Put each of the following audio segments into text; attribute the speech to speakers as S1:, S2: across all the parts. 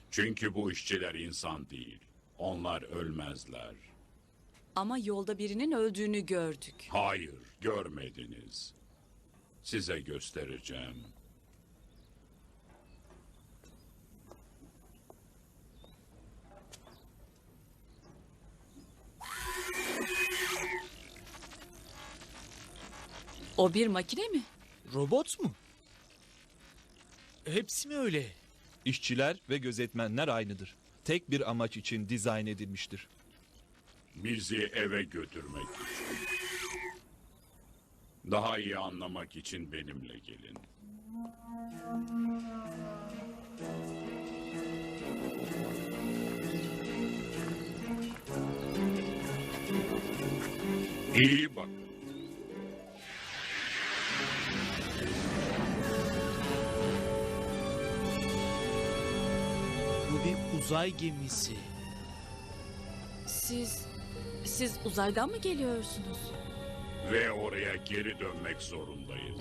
S1: Çünkü bu işçiler insan değil. Onlar ölmezler.
S2: Ama yolda birinin öldüğünü gördük.
S1: Hayır, görmediniz. Size göstereceğim.
S2: O bir makine mi?
S3: Robot mu? Hepsi mi öyle?
S4: İşçiler ve gözetmenler aynıdır. Tek bir amaç için dizayn edilmiştir.
S1: Bizi eve götürmek için. Daha iyi anlamak için benimle gelin. İyi bakın.
S3: Bu bir uzay gemisi.
S2: Siz uzaydan mı geliyorsunuz?
S1: Ve oraya geri dönmek zorundayız.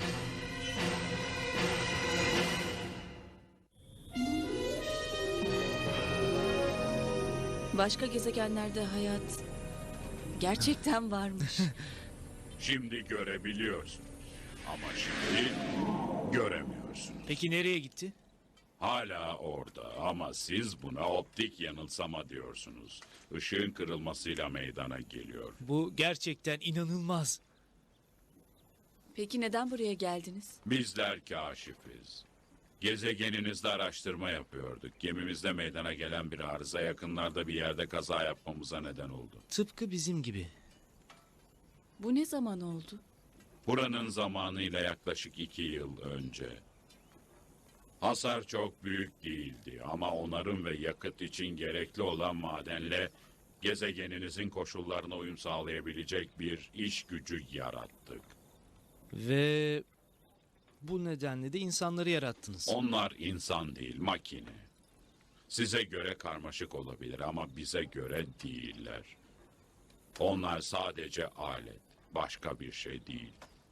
S2: Başka gezegenlerde hayat gerçekten varmış.
S1: Şimdi görebiliyorsunuz. Ama şimdi göremiyorsunuz.
S3: Peki nereye gitti?
S1: Hala orada ama siz buna optik yanılsama diyorsunuz. Işığın kırılmasıyla meydana geliyor.
S3: Bu gerçekten inanılmaz.
S2: Peki neden buraya geldiniz?
S1: Bizler kaşifiz. Gezegeninizde araştırma yapıyorduk. Gemimizde meydana gelen bir arıza yakınlarda bir yerde kaza yapmamıza neden oldu.
S3: Tıpkı bizim gibi.
S2: Bu ne zaman oldu?
S1: Buranın zamanıyla yaklaşık 2 yıl önce. Hasar çok büyük değildi ama onarım ve yakıt için gerekli olan madenle gezegeninizin koşullarına uyum sağlayabilecek bir iş gücü yarattık.
S3: Ve bu nedenle de insanları yarattınız.
S1: Onlar insan değil, makine. Size göre karmaşık olabilir ama bize göre değiller. Onlar sadece alet, başka bir şey değil.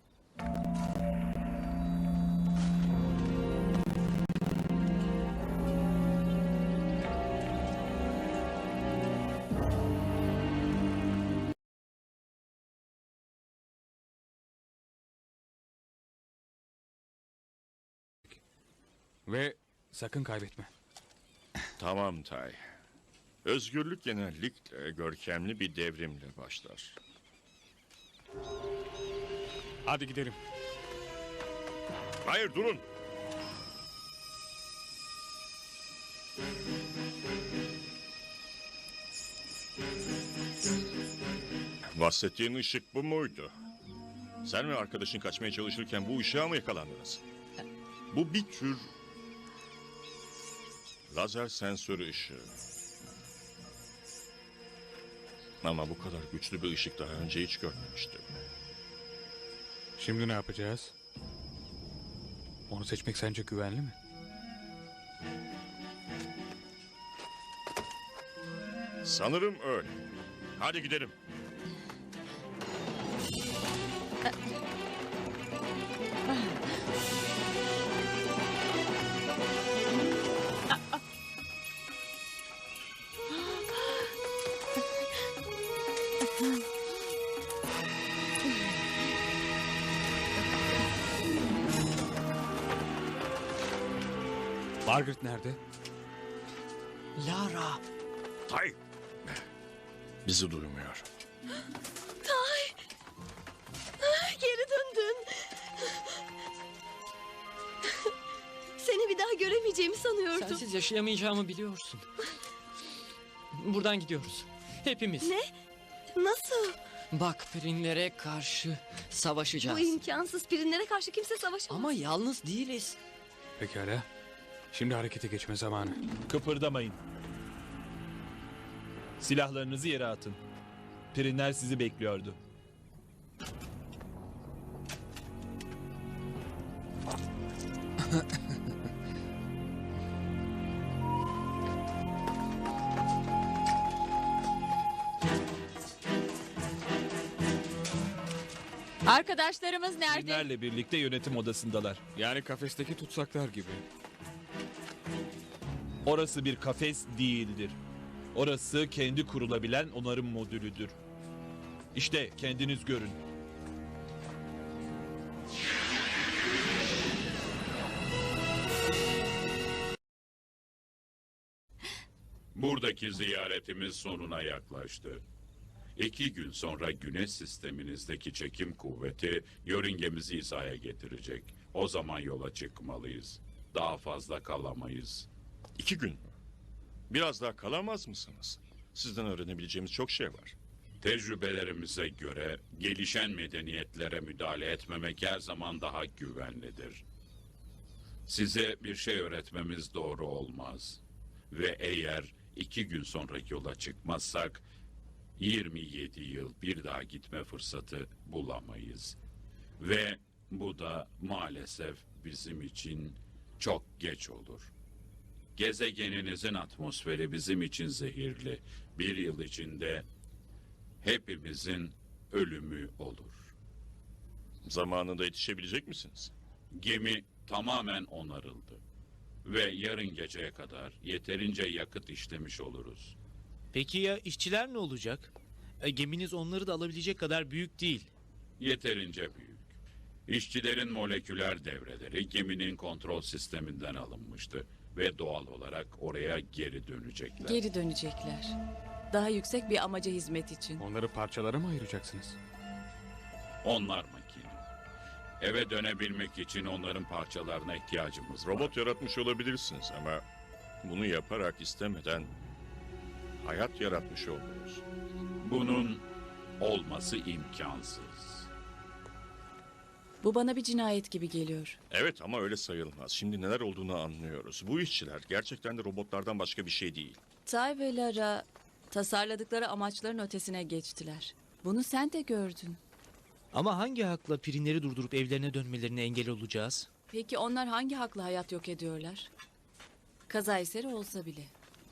S5: Ve sakın kaybetme.
S6: Tamam Tay. Özgürlük genellikle görkemli bir devrimle başlar.
S5: Hadi gidelim.
S6: Hayır durun. Bahsettiğin ışık bu muydu? Sen ve arkadaşın kaçmaya çalışırken bu ışığa mı yakalandınız? Bu bir tür lazer sensörü ışığı. Ama bu kadar güçlü bir ışık daha önce hiç görmemiştim.
S5: Şimdi ne yapacağız? Onu seçmek sence güvenli mi?
S6: Sanırım öyle. Hadi gidelim.
S5: Margaret nerede?
S3: Lara.
S6: Tay. Bizi duymuyor.
S7: Geri döndün. Seni bir daha göremeyeceğimi sanıyordum.
S8: Sensiz yaşayamayacağımı biliyorsun. Buradan gidiyoruz. Hepimiz.
S7: Ne? Nasıl?
S8: Bak Perinlere karşı savaşacağız.
S7: Bu imkansız. Pirinlere karşı kimse savaşamaz.
S8: Ama yalnız değiliz.
S5: Pekala. Şimdi harekete geçme zamanı.
S4: Kıpırdamayın. Silahlarınızı yere atın. Perinler sizi bekliyordu.
S2: Arkadaşlarımız nerede?
S4: Perinlerle birlikte yönetim odasındalar.
S5: Yani kafesteki tutsaklar gibi.
S4: Orası bir kafes değildir. Orası kendi kurulabilen onarım modülüdür. İşte kendiniz görün.
S1: Buradaki ziyaretimiz sonuna yaklaştı. 2 gün sonra Güneş sisteminizdeki çekim kuvveti yörüngemizi hizaya getirecek. O zaman yola çıkmalıyız. Daha fazla kalamayız.
S6: 2 gün mü? Biraz daha kalamaz mısınız? Sizden öğrenebileceğimiz çok şey var.
S1: Tecrübelerimize göre gelişen medeniyetlere müdahale etmemek her zaman daha güvenlidir. Size bir şey öğretmemiz doğru olmaz. Ve eğer 2 gün sonra yola çıkmazsak 27 yıl bir daha gitme fırsatı bulamayız. Ve bu da maalesef bizim için çok geç olur. Gezegeninizin atmosferi bizim için zehirli. 1 yıl içinde hepimizin ölümü olur.
S6: Zamanında yetişebilecek misiniz?
S1: Gemi tamamen onarıldı. Ve yarın geceye kadar yeterince yakıt işlemiş oluruz.
S3: Peki ya işçiler ne olacak? Geminiz onları da alabilecek kadar büyük değil.
S1: Yeterince büyük. İşçilerin moleküler devreleri geminin kontrol sisteminden alınmıştı. Ve doğal olarak oraya geri dönecekler.
S2: Geri dönecekler. Daha yüksek bir amaca hizmet için.
S5: Onları parçalara mı ayıracaksınız?
S1: Onlar makine. Eve dönebilmek için onların parçalarına ihtiyacımız var.
S6: Robot yaratmış olabilirsiniz ama bunu yaparak istemeden hayat yaratmış oldunuz.
S1: Bunun olması imkansız.
S2: Bu bana bir cinayet gibi geliyor.
S6: Evet ama öyle sayılmaz. Şimdi neler olduğunu anlıyoruz. Bu işçiler gerçekten de robotlardan başka bir şey değil.
S2: Tay ve Lara tasarladıkları amaçların ötesine geçtiler. Bunu sen de gördün.
S3: Ama hangi hakla Pirinleri durdurup evlerine dönmelerine engel olacağız?
S2: Peki onlar hangi hakla hayat yok ediyorlar? Kaza eseri olsa bile.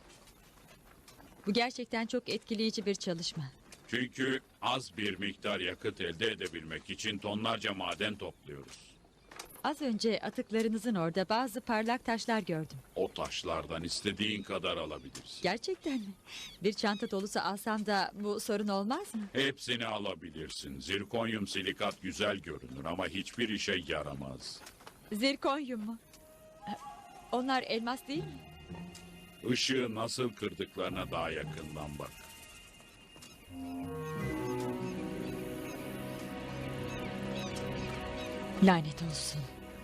S9: Bu gerçekten çok etkileyici bir çalışma.
S1: Çünkü az bir miktar yakıt elde edebilmek için tonlarca maden topluyoruz.
S9: Az önce atıklarınızın orada bazı parlak taşlar gördüm.
S1: O taşlardan istediğin kadar alabilirsin.
S9: Gerçekten mi? Bir çanta dolusu alsam da bu sorun olmaz mı?
S1: Hepsini alabilirsin. Zirkonyum silikat güzel görünür ama hiçbir işe yaramaz.
S9: Zirkonyum mu? Onlar elmas değil mi?
S1: Işığı nasıl kırdıklarına daha yakından bak.
S9: Lanet olsun.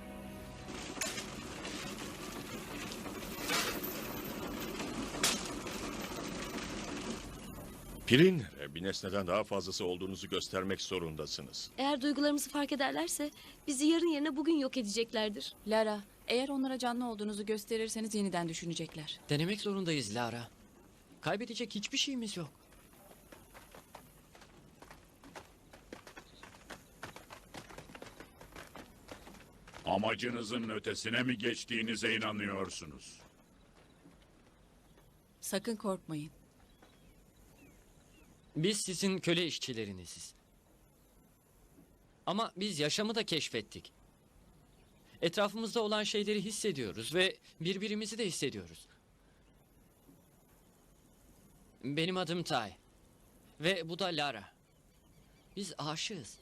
S6: Pirinlere bir nesneden daha fazlası olduğunuzu göstermek zorundasınız.
S7: Eğer duygularımızı fark ederlerse bizi yarın yerine bugün yok edeceklerdir.
S2: Lara, eğer onlara canlı olduğunuzu gösterirseniz yeniden düşünecekler.
S8: Denemek zorundayız Lara. Kaybedecek hiçbir şeyimiz yok.
S1: Amacınızın ötesine mi geçtiğinize inanıyorsunuz?
S2: Sakın korkmayın.
S8: Biz sizin köle işçileriniziz. Ama biz yaşamı da keşfettik. Etrafımızda olan şeyleri hissediyoruz ve birbirimizi de hissediyoruz. Benim adım Tay. Ve bu da Lara. Biz aşığız.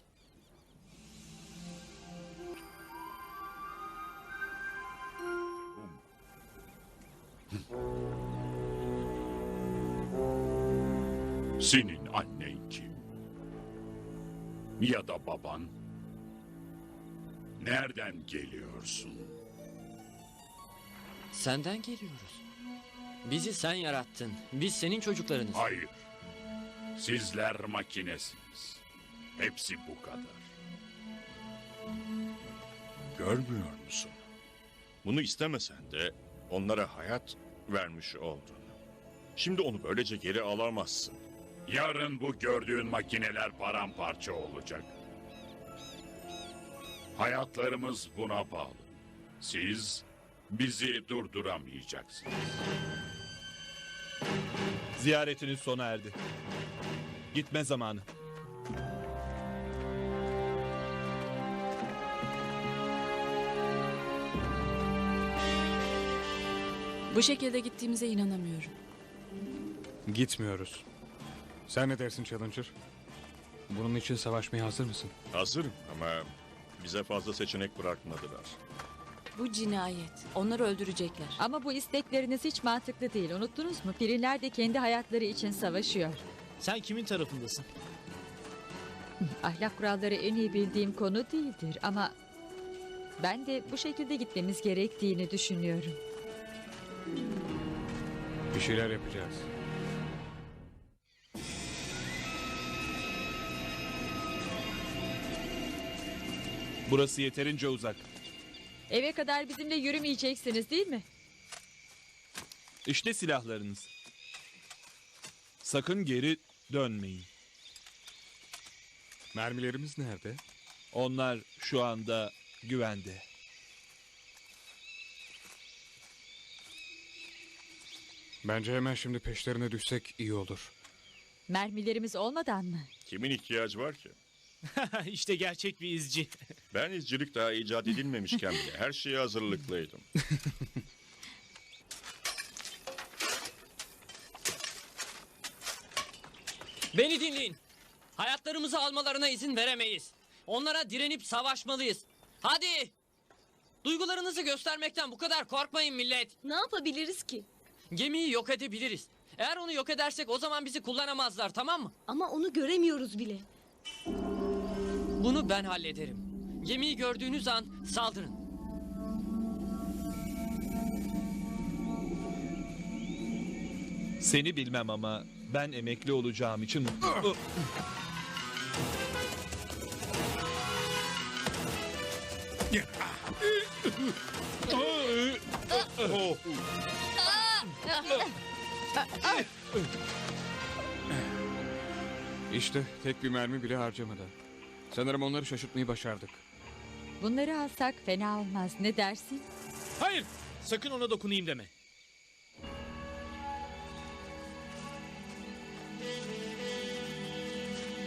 S1: Senin annen kim? Ya da baban? Nereden geliyorsun?
S8: Senden geliyoruz. Bizi sen yarattın. Biz senin çocuklarınız.
S1: Hayır. Sizler makinesiniz. Hepsi bu kadar.
S6: Görmüyor musun? Bunu istemesen de onlara hayat vermiş oldun. Şimdi onu böylece geri alamazsın.
S1: Yarın bu gördüğün makineler paramparça olacak. Hayatlarımız buna bağlı. Siz bizi durduramayacaksınız.
S4: Ziyaretiniz sona erdi. Gitme zamanı.
S2: Bu şekilde gittiğimize inanamıyorum.
S5: Gitmiyoruz. Sen ne dersin Challenger? Bunun için savaşmaya hazır mısın?
S6: Hazırım ama bize fazla seçenek bırakmadılar.
S2: Bu cinayet. Onları öldürecekler.
S9: Ama bu istekleriniz hiç mantıklı değil. Unuttunuz mu? Pirinler de kendi hayatları için savaşıyor.
S3: Sen kimin tarafındasın?
S9: Ahlak kuralları en iyi bildiğim konu değildir ama ben de bu şekilde gitmemiz gerektiğini düşünüyorum.
S5: Bir şeyler yapacağız.
S4: Burası yeterince uzak.
S9: Eve kadar bizimle yürümeyeceksiniz değil mi?
S4: İşte silahlarınız. Sakın geri dönmeyin.
S5: Mermilerimiz nerede?
S4: Onlar şu anda güvende.
S5: Bence hemen şimdi peşlerine düşsek iyi olur.
S9: Mermilerimiz olmadan mı?
S6: Kimin ihtiyacı var ki?
S3: İşte gerçek bir izci.
S6: Ben izcilik daha icat edilmemişken bile her şeye hazırlıklıydım.
S8: Beni dinleyin. Hayatlarımızı almalarına izin veremeyiz. Onlara direnip savaşmalıyız. Hadi! Duygularınızı göstermekten bu kadar korkmayın millet.
S7: Ne yapabiliriz ki?
S8: Gemiyi yok edebiliriz. Eğer onu yok edersek o zaman bizi kullanamazlar, tamam mı?
S7: Ama onu göremiyoruz bile.
S8: Bunu ben hallederim. Gemiyi gördüğünüz an saldırın.
S4: Seni bilmem ama ben emekli olacağım için mutlu.
S5: İşte tek bir mermi bile harcamadan. Sanırım onları şaşırtmayı başardık.
S9: Bunları alsak fena olmaz. Ne dersin?
S3: Hayır! Sakın ona dokunayım deme.